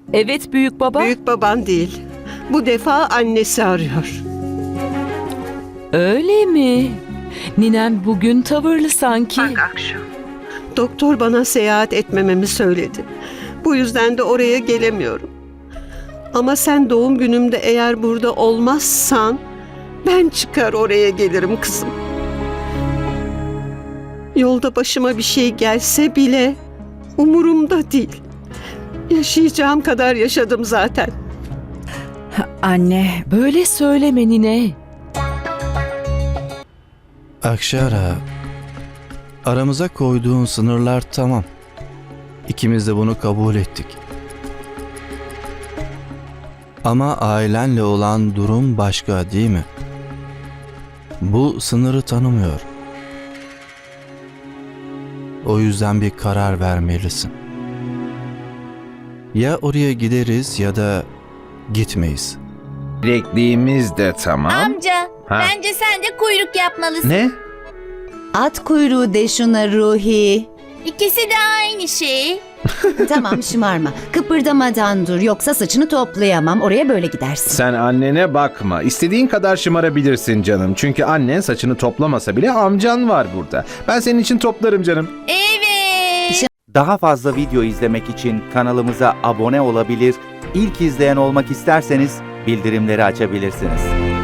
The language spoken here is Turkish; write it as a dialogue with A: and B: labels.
A: Evet büyük baba.
B: Büyük baban değil. Bu defa annesi arıyor.
A: Öyle mi? Ninem bugün tavırlı sanki.
B: Bak Akşu. Doktor bana seyahat etmememi söyledi. Bu yüzden de oraya gelemiyorum. Ama sen doğum günümde eğer burada olmazsan ben çıkar oraya gelirim kızım. Yolda başıma bir şey gelse bile umurumda değil. Yaşayacağım kadar yaşadım zaten.
C: Anne,
A: Böyle söyleme nine.
D: Akşara, aramıza koyduğun sınırlar tamam. İkimiz de bunu kabul ettik. Ama ailenle olan durum başka değil mi? Bu sınırı tanımıyor. O yüzden bir karar vermelisin. Ya oraya gideriz ya da gitmeyiz.
E: Bilekliğimiz de tamam.
F: Amca,
E: Ha.
F: bence sen de kuyruk yapmalısın.
E: Ne?
C: at kuyruğu de şuna Ruhi.
F: İkisi de aynı şey.
C: Tamam şımarma. Kıpırdamadan dur yoksa saçını toplayamam. Oraya böyle gidersin.
E: Sen annene bakma. İstediğin kadar şımarabilirsin canım. Çünkü annen saçını toplamasa bile amcan var burada. Ben senin için toplarım canım.
F: Evet.
G: Daha fazla video izlemek için kanalımıza abone olabilir, ilk izleyen olmak isterseniz bildirimleri açabilirsiniz.